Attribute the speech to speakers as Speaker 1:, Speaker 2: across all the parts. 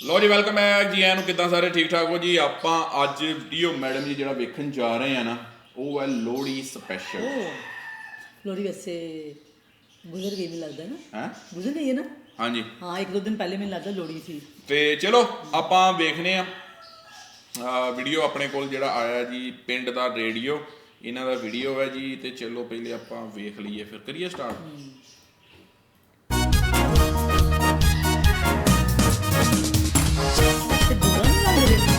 Speaker 1: ਲੋ ਜੀ ਵੈਲਕਮ ਹੈ ਜੀ ਆਇਆਂ ਨੂੰ। ਕਿੱਦਾਂ ਸਾਰੇ ਠੀਕ ਠਾਕ ਹੋ ਜੀ। ਆਪਾਂ ਅੱਜ ਵੀਡੀਓ ਮੈਡਮ ਜੀ ਜਿਹੜਾ ਵੇਖਣ ਜਾ ਰਹੇ ਆ ਨਾ ਉਹ ਹੈ ਲੋਹੜੀ ਸਪੈਸ਼ਲ।
Speaker 2: लोहड़ी वैसे गुजर गई, मुझे लगता है ना।
Speaker 1: ਹੈ
Speaker 2: गुजर गई है ना।
Speaker 1: ਹਾਂਜੀ
Speaker 2: हाँ, एक दो दिन पहले मैंने लगता लोहड़ी थी।
Speaker 1: ਤੇ ਚਲੋ ਆਪਾਂ ਵੇਖਨੇ ਆ ਵੀਡੀਓ। ਆਪਣੇ ਕੋਲ ਜਿਹੜਾ ਆਇਆ ਜੀ ਪਿੰਡ ਦਾ ਰੇਡੀਓ, ਇਹਨਾਂ ਦਾ ਵੀਡੀਓ ਹੈ ਜੀ। ਤੇ ਚਲੋ ਪਹਿਲੇ ਆਪਾਂ ਵੇਖ ਲਈਏ ਫਿਰ ਕਰੀਏ ਸਟਾਰਟ।
Speaker 2: ते बुरा नहीं लग रहा।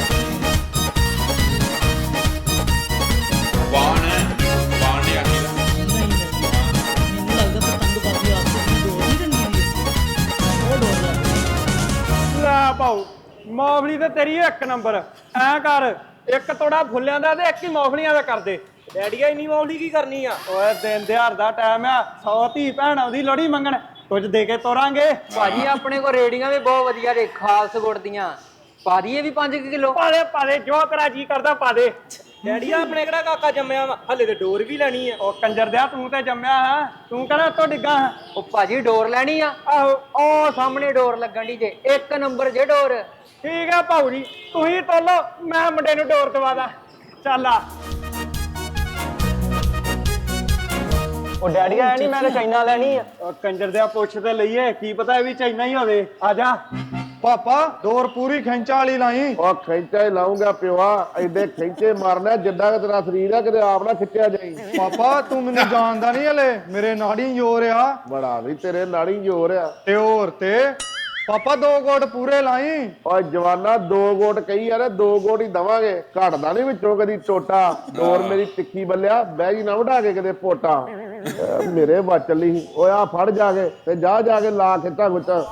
Speaker 1: ਬਾਣ ਹੈ, ਬਾਣ ਨੇ ਆਖੀ ਦਾ
Speaker 2: नहीं मैंने लगता पतंगबाजी आपसे डोर नहीं रंगी हुई है, वो डोर लग रही।
Speaker 3: ਲੈ ਭਾਊ ਮੌਫਲੀ ਤੇ ਤੇਰੀ ਇੱਕ ਨੰਬਰ। ਐ ਕਰ, ਇੱਕ ਤੋੜਾ ਫੁੱਲਿਆਂ ਦਾ ਤੇ ਇੱਕ ਹੀ ਮੌਫਲੀਆਂ ਦਾ ਕਰ ਦੇ।
Speaker 4: ਡੈਡੀਆ ਇੰਨੀ ਮੌਲੀ ਕੀ ਕਰਨੀ ਆ?
Speaker 3: ਓਏ ਦਿਨ ਦਿਹਾੜ ਦਾ ਟਾਈਮ ਆ, 100 ਧੀ ਭੈਣ ਆਉਂਦੀ ਲੋਹੜੀ ਮੰਗਣ, ਕੁਝ ਦੇ ਕੇ ਤੋਰਾਂਗੇ।
Speaker 4: ਭਾਜੀ ਆਪਣੇ ਕੋਲ ਰੇੜੀਆਂ ਵੀ ਬਹੁਤ ਵਧੀਆ ਨੇ, ਖਾਲਸ ਗੁੜ ਦੀਆਂ। ਪਾ ਦਈਏ ਵੀ 5 ਕਿਲੋ।
Speaker 3: ਪਾ ਦੇ ਜੋ ਤੇਰਾ ਜੀ ਕਰਦਾ ਪਾ ਦੇ।
Speaker 4: ਡੈਡੀਆ ਆਪਣੇ ਕਿਹੜਾ ਕਾਕਾ ਜੰਮਿਆ ਵਾ, ਹਲੇ ਤੇ ਡੋਰ ਵੀ ਲੈਣੀ ਆ।
Speaker 3: ਉਹ ਕੰਜਰ ਦਿਆ, ਤੂੰ ਤੇ ਜੰਮਿਆ ਹੈ, ਤੂੰ ਕਿਹੜਾ ਉੱਤੋਂ ਡਿੱਗਾ ਹੈ?
Speaker 4: ਉਹ ਭਾਜੀ ਡੋਰ ਲੈਣੀ ਆ।
Speaker 3: ਆਹੋ
Speaker 4: ਉਹ ਸਾਹਮਣੇ ਡੋਰ ਲੱਗਣ ਦੀ ਜੇ, ਇੱਕ ਨੰਬਰ ਜੇ ਡੋਰ।
Speaker 3: ਠੀਕ ਆ ਭਾਊ ਜੀ, ਤੁਸੀਂ ਤੋਲੋ, ਮੈਂ ਮੁੰਡੇ ਨੂੰ ਡੋਰ ਦਵਾ ਦਾਂ। ਚੱਲ ਆ। ਉਹ ਡੈਡੀਆ ਐ ਨਹੀਂ, ਮੈਂ ਤਾਂ ਚਾਈਨਾ ਲੈਣੀ ਆ। ਉਹ ਕੰਜਰ ਦਿਆ ਪੁੱਛ ਤੇ ਲਈਏ, ਕੀ ਪਤਾ ਇਹ ਵੀ ਚਾਈਨਾ ਹੀ ਹੋਵੇ। ਆ ਜਾ
Speaker 5: ਪਾਪਾ ਦੌਰ ਪੂਰੀ ਖਿੰਚਾਂ ਵਾਲੀ ਲਾਈ।
Speaker 6: ਉਹ ਖਿੱਚਾ ਹੀ ਲਾਉਂਗਾ ਪਿਵਾ, ਐਡੇ ਖਿੱਚੇ ਮਾਰਨਾ ਜਿੱਦਾਂ ਕਿ ਤੇਰਾ ਸਰੀਰ ਆ, ਕਿਤੇ ਆਪ ਨਾ ਖਿੱਚਿਆ ਜਾਈ।
Speaker 5: ਪਾਪਾ ਤੂੰ ਮੈਨੂੰ ਜਾਣਦਾ ਨਹੀਂ ਹਲੇ, ਮੇਰੇ ਨਾੜੀ ਜ਼ੋਰ ਆ।
Speaker 6: ਬੜਾ ਵੀ ਤੇਰੇ ਨਾੜੀ ਜ਼ੋਰ ਆ।
Speaker 5: ਤੇ ਹੋਰ ਤੇ ਪਾਪਾ 2 ਗੋਟ ਪੂਰੇ ਲਾਈ।
Speaker 6: ਓਏ ਜਵਾਨਾ 2 ਗੋਟ ਕਹੀ ਯਾਰ, 2 ਗੋਟ ਹੀ ਦਵਾਂਗੇ, ਘਟਦਾ ਨਹੀਂ ਵਿੱਚੋਂ ਕਦੀ ਟੋਟਾ। ਡੋਰ ਮੇਰੀ ਤਿੱਖੀ ਬੱਲਿਆ, ਬਹਿ ਜੀ ਨਾ ਵਢਾ ਕੇ ਕਿਤੇ ਪੋਟਾ। ਮੇਰੇ ਵੱਜ ਚੱਲੀ। ਓਏ ਆ ਫੜ ਜਾ ਕੇ ਤੇ ਜਾ ਕੇ ਲਾ ਖਿੱਚਾ ਖੁੱਚਾ।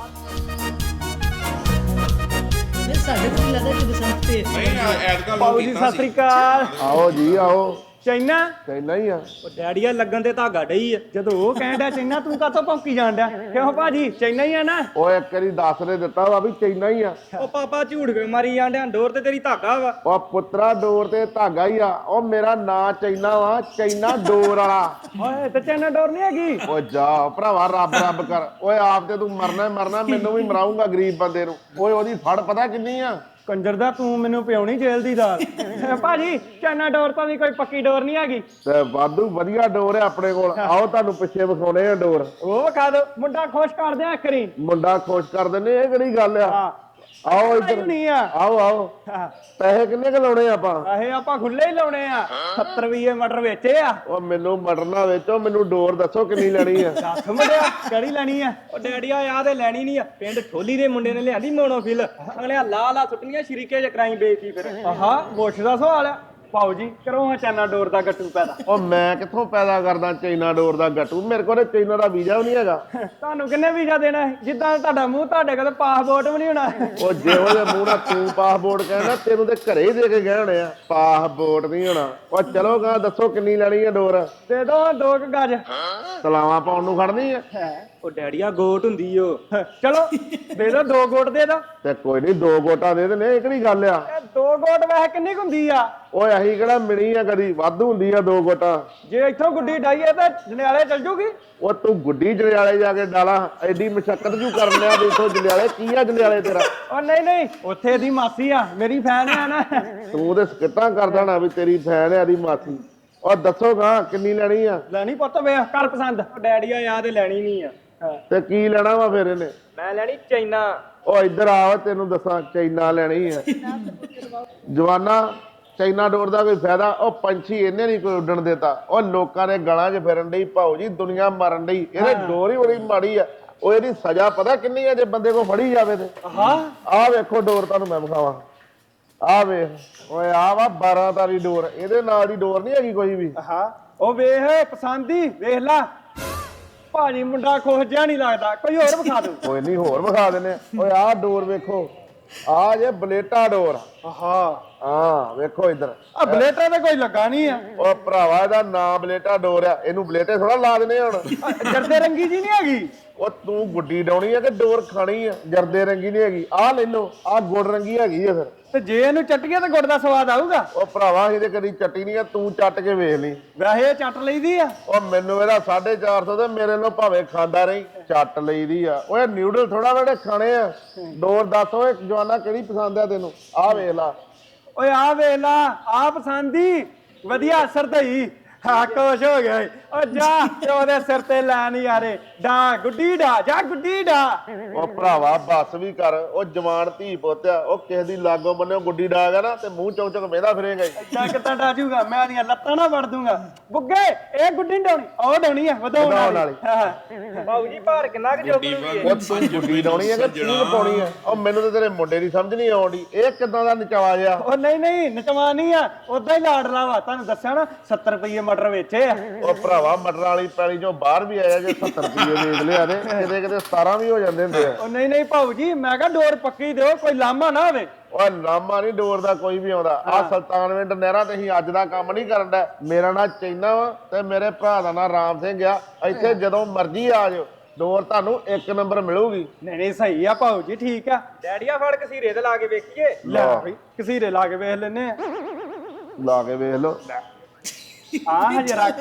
Speaker 2: मेरे साढ़े को नहीं लगता कि बसंत पे
Speaker 1: ਨਹੀਂ ਐਤਕਾਂ
Speaker 3: ਭਾਊ
Speaker 1: ਲੋਕ
Speaker 3: ਜੀ
Speaker 1: ਕੀਤਾ
Speaker 3: ਸਤਿ ਸ੍ਰੀ ਅਕਾਲ।
Speaker 6: ਆਓ ਜੀ ਆਓ।
Speaker 3: ਚਾਈਨਾ
Speaker 6: ਕਹਿੰਦਾ ਹੀ ਆ।
Speaker 3: ਉਹ ਡੈਡੀਆ ਲੱਗਣ ਤੇ ਧਾਗਾ ਡਈ ਆ। ਜਦੋਂ ਉਹ ਕਹਿਣ ਡਿਆ ਚਾਈਨਾ, ਤੂੰ ਕਾਹਤੋਂ ਭੌਂਕੀ ਜਾਣ ਡਿਆ? ਕਿਉਂ ਭਾਜੀ ਚਾਈਨਾ ਹੀ ਆ ਨਾ?
Speaker 6: ਓਏ ਇੱਕ ਵਾਰੀ ਦੱਸ ਦੇ ਦਿੱਤਾ ਵਾ ਵੀ ਚਾਈਨਾ ਹੀ ਆ।
Speaker 3: ਉਹ ਪਾਪਾ ਝੂਠ ਕੇ ਮਾਰੀ ਜਾਣ ਡਿਆ, ਡੋਰ ਤੇ ਤੇਰੀ ਧਾਗਾ ਵਾ।
Speaker 6: ਉਹ ਪੁੱਤਰਾ ਡੋਰ ਤੇ ਧਾਗਾ ਹੀ ਆ। ਉਹ ਮੇਰਾ ਨਾਂ ਚਾਈਨਾ ਵਾ, ਚਾਈਨਾ ਡੋਰ ਵਾਲਾ।
Speaker 3: ਓਏ ਤੇ ਚਾਈਨਾ ਡੋਰ ਨਹੀਂ ਹੈਗੀ।
Speaker 6: ਓਏ ਜਾ ਭਰਾਵਾ, ਰੱਬ ਰੱਬ ਕਰ। ਓਏ ਆਪ ਤੇ ਤੂੰ ਮਰਨਾ ਹੀ ਮਰਨਾ, ਮੈਨੂੰ ਵੀ ਮਰਾਉਂਗਾ ਗਰੀਬ ਬੰਦੇ ਨੂੰ। ਓਏ ਉਹਦੀ ਫੜ ਪਤਾ ਕਿੰਨੀ ਆ?
Speaker 3: ਕੰਜਰ ਦਾ ਤੂੰ ਮੈਨੂੰ ਪਿਉਣੀ ਜੇਲ੍ਹ ਦੀ ਦਾਲ। ਭਾਜੀ ਚਾਈਨਾ ਡੋਰ ਤਾਂ ਵੀ ਕੋਈ ਪੱਕੀ ਡੋਰ ਨਹੀਂ ਹੈਗੀ।
Speaker 6: ਤੇ ਵਾਧੂ ਵਧੀਆ ਡੋਰ ਹੈ ਆਪਣੇ ਕੋਲ। ਆਓ ਤੁਹਾਨੂੰ ਪਿੱਛੇ ਵਿਖਾਉਣੇ ਆ ਡੋਰ।
Speaker 3: ਉਹ ਵਿਖਾ ਦੋ, ਮੁੰਡਾ ਖੁਸ਼ ਕਰ ਦਿਆਂ ਕਰੀ।
Speaker 6: ਮੁੰਡਾ ਖੁਸ਼ ਕਰ ਦਿੰਦੇ, ਇਹ ਕਿਹੜੀ ਗੱਲ ਆ?
Speaker 3: ਹਾਂ
Speaker 6: ਆਓ ਇੱਧਰ,
Speaker 3: ਨਹੀਂ ਆ।
Speaker 6: ਆਓ ਆਓ। ਪੈਸੇ ਕਿੰਨੇ ਕੁ ਲਾਉਣੇ ਆਪਾਂ?
Speaker 3: ਆਹੇ ਆਪਾਂ ਖੁੱਲੇ ਹੀ ਲਾਉਣੇ ਆ। 70 ਰੁਪਏ ਮਟਰ ਵੇਚੇ ਆ।
Speaker 6: ਉਹ ਮੈਨੂੰ ਮਟਰ ਨਾ ਵੇਚੋ, ਮੈਨੂੰ ਡੋਰ ਦੱਸੋ ਕਿੰਨੀ ਲੈਣੀ ਆ।
Speaker 3: ਦੱਸ ਮੁੰਡਿਆ ਕਿਹੜੀ ਲੈਣੀ ਆ? ਉਹ ਡੈਡੀਆ ਆ ਤੇ ਲੈਣੀ ਨਹੀਂ ਆ। ਪਿੰਡ ਠੋਲੀ ਦੇ ਮੁੰਡੇ ਨੇ ਲਿਆਂਦੀ ਮੋਨੋਫਿਲ। ਅਗਲਿਆ ਲਾ ਸੁੱਟਣੀਆਂ ਸ਼ਰੀਕੇ ਚ ਕਰਾਈ ਬੇਇੱਜ਼ਤੀ। ਫਿਰ ਆਹਾ ਮੁੱਛ ਦਾ ਸਵਾਲ ਆ। ਭਾਊ ਜੀ ਕਰੋ ਹਾਂ ਚਾਈਨਾ ਡੋਰ ਦਾ ਗੱਟੂ ਪੈਦਾ।
Speaker 6: ਉਹ ਮੈਂ ਕਿੱਥੋਂ ਪੈਦਾ ਕਰਦਾ ਚਾਈਨਾ ਡੋਰ ਦਾ ਗੱਟੂ? ਮੇਰੇ ਕੋਲ ਚਾਈਨਾ ਦਾ ਵੀਜ਼ਾ ਵੀ ਨਹੀਂ ਹੈਗਾ।
Speaker 3: ਤੁਹਾਨੂੰ ਕਿੰਨੇ ਵੀਜ਼ਾ ਦੇਣਾ ਹੈ? ਜਿੱਦਾਂ ਤੁਹਾਡਾ ਮੂੰਹ, ਤੁਹਾਡੇ ਕੋਲ ਪਾਸਪੋਰਟ ਵੀ ਨਹੀਂ ਹੋਣਾ।
Speaker 6: ਉਹ ਜਿਹੋ ਜਿਹੇ ਮੂੰਹ ਨਾਲ ਤੂੰ ਪਾਸਪੋਰਟ ਕਹਿੰਦਾ, ਤੈਨੂੰ ਤੇ ਘਰੇ ਹੀ ਦੇ ਕੇ ਗਏ ਹੋਣੇ ਆ। ਪਾਸਪੋਰਟ ਨਹੀਂ ਹੋਣਾ। ਉਹ ਚਲੋ ਗਾ ਦੱਸੋ ਕਿੰਨੀ ਲੈਣੀ ਆ ਡੋਰ?
Speaker 3: ਦੇ ਦੋ 2 ਗਜ।
Speaker 6: ਤਲਾਵਾਂ ਪਾਉਣ ਨੂੰ ਖੜਨੀ ਆ?
Speaker 3: ਉਹ ਡੈਡੀਆ ਗੋਟ ਹੁੰਦੀ ਓ। ਚਲੋ ਦੇ ਦੋ 2 ਗੋਟ ਦੇ ਦੋ।
Speaker 6: ਤੇ ਕੋਈ ਨਹੀਂ 2 ਗੋਟਾਂ ਦੇ ਦੇਣੇ, ਇਹ ਕਿਹੜੀ ਗੱਲ ਆ?
Speaker 3: ਇਹ 2 ਗੋਟ ਵੈਸੇ ਕਿੰਨੀ ਕੁ ਹੁੰਦੀ ਆ?
Speaker 6: ਓਏ ਅਹੀਂ ਕਿਹੜਾ ਮਿਣੀ ਆ ਕਦੀ, ਵਾਧੂ ਹੁੰਦੀ ਆ 2 ਗੋਟਾਂ।
Speaker 3: ਜੇ ਇੱਥੋਂ ਗੁੱਡੀ ਡਾਈਏ ਤਾਂ ਜੰਡਿਆਲੇ ਚੱਲ ਜੂਗੀ।
Speaker 6: ਉਹ ਤੂੰ ਗੁੱਡੀ ਜੰਡਿਆਲੇ ਜਾ ਕੇ ਡਾਲਾ, ਐਡੀ ਮਸ਼ੱਕਤ ਜੂ ਕਰਨ ਲਿਆ ਵੀ ਇੱਥੋਂ ਜੰਡਿਆਲੇ। ਕੀ ਆ ਜੰਡਿਆਲੇ ਤੇਰਾ?
Speaker 3: ਉਹ ਨਹੀਂ ਉੱਥੇ ਦੀ ਮਾਸੀ ਆ, ਮੇਰੀ ਫੈਨ ਆ ਨਾ।
Speaker 6: ਤੂੰ ਤੇ ਸਕਿੱਟਾਂ ਕਰਦਾ ਨਾ ਵੀ ਤੇਰੀ ਫੈਨ ਆ ਦੀ ਮਾਸੀ। ਉਹ ਦੱਸੋਗਾ ਕਿੰਨੀ ਲੈਣੀ ਆ?
Speaker 3: ਲੈਣੀ ਪੁੱਤ ਵੇ ਕਰ ਪਸੰਦ। ਉਹ ਡੈਡੀਆ ਯਾਦ ਲੈਣੀ ਨਹੀਂ ਆ।
Speaker 6: ਤੇ ਕੀ ਲੈਣਾ ਵਾ ਫਿਰ ਇਹਨੇ?
Speaker 4: ਮੈਂ ਲੈਣੀ ਚਾਈਨਾ।
Speaker 6: ਉਹ ਇੱਧਰ ਆ, ਤੈਨੂੰ ਦੱਸਾਂ ਚਾਈਨਾ ਲੈਣੀ ਆ। ਜਵਾਨਾ ਚਾਈਨਾ ਡੋਰ ਦਾ ਕੋਈ ਫਾਇਦਾ? ਉਹ ਪੰਛੀ ਇਹਨੇ ਨਹੀਂ ਕੋਈ ਉੱਡਣ ਦਿੱਤਾ। ਉਹ ਲੋਕਾਂ ਦੇ ਗਲਾਂ 'ਚ ਫਿਰਨ ਡਈ ਭਾਊ ਜੀ, ਦੁਨੀਆ ਮਰਨ ਡਈ। ਇਹਦੇ ਡੋਰ ਹੀ ਬੜੀ ਮਾੜੀ ਆ। ਉਹ ਇਹਦੀ ਸਜ਼ਾ ਪਤਾ ਕਿੰਨੀ ਆ ਜੇ ਬੰਦੇ ਕੋ ਫੜੀ ਜਾਵੇ ਤੇ? ਆਹ ਵੇਖੋ ਡੋਰ, ਤੁਹਾਨੂੰ ਮੈਂ ਵਿਖਾਵਾਂ। ਆਹ ਵੇਖ ਓਏ, ਆਹ ਵਾ 12 ਤਾਰੀ ਡੋਰ। ਇਹਦੇ ਨਾਲ ਦੀ ਡੋਰ ਨਹੀਂ ਹੈਗੀ ਕੋਈ ਵੀ।
Speaker 3: ਉਹ ਵੇਖ ਪਸੰਦ ਹੀ ਵੇਖ ਲਾ। ਭਾਜੀ ਮੁੰਡਾ ਖੁਸ਼ ਜਿਹਾ ਨਹੀਂ ਲੱਗਦਾ, ਕੋਈ ਹੋਰ ਵਿਖਾ ਦੋ।
Speaker 6: ਕੋਈ ਨਹੀਂ ਹੋਰ ਵਿਖਾ ਦਿੰਨੇ। ਓਏ ਆਹ ਡੋਰ ਵੇਖੋ, ਆਹ ਜੇ ਬਲੇਟਾ ਡੋਰ।
Speaker 3: ਆਹਾ
Speaker 6: ਹਾਂ ਵੇਖੋ ਇੱਧਰ
Speaker 3: ਆ ਬਲੇਟਾ ਤੇ ਕੋਈ ਲੱਗਾ ਨਹੀਂ ਆ
Speaker 6: ਉਹ ਭਰਾਵਾ ਇਹਦਾ ਨਾਂ ਬਲੇਟਾ ਡੋਰ ਆ ਇਹਨੂੰ ਬਲੇਟੇ ਥੋੜਾ ਲਾ ਦੇਣੇ ਹੁਣ
Speaker 3: ਜਰਦੇ ਰੰਗੀ ਜੀ ਨਹੀਂ ਹੈਗੀ
Speaker 6: ਉਹ ਤੂੰ ਗੁੱਡੀ ਡਾਉਣੀ ਆ ਕਿ ਡੋਰ ਖਾਣੀ ਆ ਜਰਦੇ ਰੰਗੀ ਨਹੀਂ ਹੈਗੀ ਆਹ ਲੈ ਲਓ ਆਹ ਗੁੜ ਰੰਗੀ ਹੈਗੀ ਆ ਫਿਰ
Speaker 3: ਤੇ ਜੇ ਇਹਨੂੰ ਚੱਟੀਏ ਤਾਂ ਗੁੜ ਦਾ ਸਵਾਦ ਆਊਗਾ
Speaker 6: ਉਹ ਭਰਾਵਾ ਅਸੀਂ ਤੇ ਕਦੀ ਚੱਟੀ ਨਹੀਂ ਆ ਤੂੰ ਚੱਟ ਕੇ ਵੇਖ ਲਈ
Speaker 3: ਵੈਸੇ ਇਹ ਚੱਟ ਲਈਦੀ ਆ
Speaker 6: ਉਹ ਮੈਨੂੰ ਇਹਦਾ 450 ਤੇ ਮੇਰੇ ਨੂੰ ਭਾਵੇਂ ਖਾਂਦਾ ਰਹੀ ਚੱਟ ਲਈਦੀ ਆ ਓਏ ਨਿਊਡਲ ਥੋੜਾ ਜਿਹੜੇ ਖਾਣੇ ਆ ਡੋਰ ਦੱਸ ਓਏ ਜਵਾਨਾ ਕਿਹੜੀ ਪਸੰਦ ਆ ਤੈਨੂੰ ਆਹ ਵੇਖ ਲਾ
Speaker 3: ਓਏ ਆ ਵੇਲਾ ਆ ਪਸੰਦੀ ਵਧੀਆ ਅਸਰ ਦਈ ਹਾਂ ਖੁਸ਼ ਹੋ ਗਿਆ ਈ। ਓ ਜਾ ਤੇ ਉਹਦੇ ਸਿਰ ਤੇ ਲੈ ਨਹੀਂ ਯਾਰੇ ਡਾ ਗੁੱਡੀ ਡਾ ਜਾ ਗੁੱਡੀ ਡਾ
Speaker 6: ਉਹ ਭਰਾਵਾ ਬੱਸ ਵੀ ਕਰ ਉਹ ਜਵਾਨ ਧੀ ਪੁੱਤਿਆ ਉਹ ਕਿਸੇ ਦੀ ਲਾਗੋਂ ਬੰਨਿਓ ਗੁੱਡੀ ਡਾਗਾ ਨਾ ਤੇ ਮੂੰਹ ਚੌਂ ਚੌਂ ਵੇਂਦਾ ਫਿਰੇਗਾ ਹੀ
Speaker 3: ਜਾ ਕਿੱਦਾਂ ਡਾਜੂਗਾ ਮੈਂ ਦੀਆਂ ਲੱਤਾਂ ਨਾ ਵੜ ਦੂੰਗਾ ਬੁੱਗੇ ਇਹ ਗੁੱਡੀ ਨੀ ਡਾਉਣੀ ਉਹ ਡਾਉਣੀ ਆ ਵਧਾਉਣ ਵਾਲੀ ਬਾਬੂ ਜੀ ਭਾਰ ਕਿੰਨਾ ਕੁ
Speaker 1: ਗੁੱਡੀ
Speaker 3: ਜੋਗਣੀ
Speaker 6: ਉਹ ਤੂੰ ਗੁੱਡੀ ਡਾਉਣੀ ਹੈ ਕਿ ਤੀਨ ਪਾਉਣੀ ਹੈ ਉਹ ਮੈਨੂੰ ਤੇ ਤੇਰੇ ਮੁੰਡੇ ਦੀ ਸਮਝ ਨਹੀਂ ਆਉਂਦੀ ਇਹ ਕਿਦਾਂ ਦਾ ਨਚਾਵਾ ਜਿਹਾ
Speaker 3: ਉਹ ਨਹੀਂ ਨਚਵਾ ਨਹੀਂ ਆ ਉਦਾਂ ਹੀ ਲਾੜਲਾ ਵਾ ਤੁਹਾਨੂੰ ਦੱਸਿਆ ਨਾ 70 ਰੁਪਏ ਮਟਰ ਵੇਚੇ ਆ
Speaker 6: ਉਹ ਭਰਾਵਾ ਮਟਰ ਵਾਲੀ ਪੈਲੀ ਚੋਂ ਬਾਹਰ ਵੀ ਆਇਆ ਜੇ 70 ਰੁਪਏ ਵੇਚ ਲਿਆ ਤੇ ਕਿਤੇ 17 ਵੀ ਹੋ ਜਾਂਦੇ ਹੁੰਦੇ ਆ
Speaker 3: ਉਹ ਨਹੀਂ ਭਾਊ ਜੀ ਮੈਂ ਕਿਹਾ ਡੋਰ ਪੱਕੀ ਦਿਓ ਕੋਈ ਲਾਮਾ ਨਾ ਹੋਵੇ
Speaker 6: ਉਹ ਲਾਮਾ ਨਹੀਂ ਡੋਰ ਦਾ ਕੋਈ ਵੀ ਆਉਂਦਾ ਆ ਸੁਲਤਾਨਵਿੰਡ ਨਹਿਰਾਂ ਤੇ ਅਸੀਂ ਅੱਜ ਦਾ ਕੰਮ ਨਹੀਂ ਕਰਨ ਦਾ ਮੇਰਾ ਨਾਂ ਚੈਨਾ ਵਾ ਤੇ ਮੇਰੇ ਭਰਾ ਦਾ ਨਾਂ ਰਾਮ ਸਿੰਘ ਆ ਇੱਥੇ ਜਦੋਂ ਮਰਜ਼ੀ ਆ ਜਾਓ ਡੋਰ ਤੁਹਾਨੂੰ 1 ਨੰਬਰ ਮਿਲੂਗੀ
Speaker 3: ਨਹੀਂ ਸਹੀ ਆ ਭਾਊ ਜੀ ਠੀਕ ਆ ਡੈਡੀਆ ਫੜ ਕਸੀਰੇ ਤੇ ਲਾ ਕੇ ਵੇਖੀਏ ਲੈ ਬਈ ਕਸੀਰੇ ਲਾ ਕੇ ਵੇਖ ਲੈਨੇ ਆ
Speaker 6: ਲਾ ਕੇ ਵੇਖ ਲਓ
Speaker 3: ਆ ਹਜੇ ਰੱਖ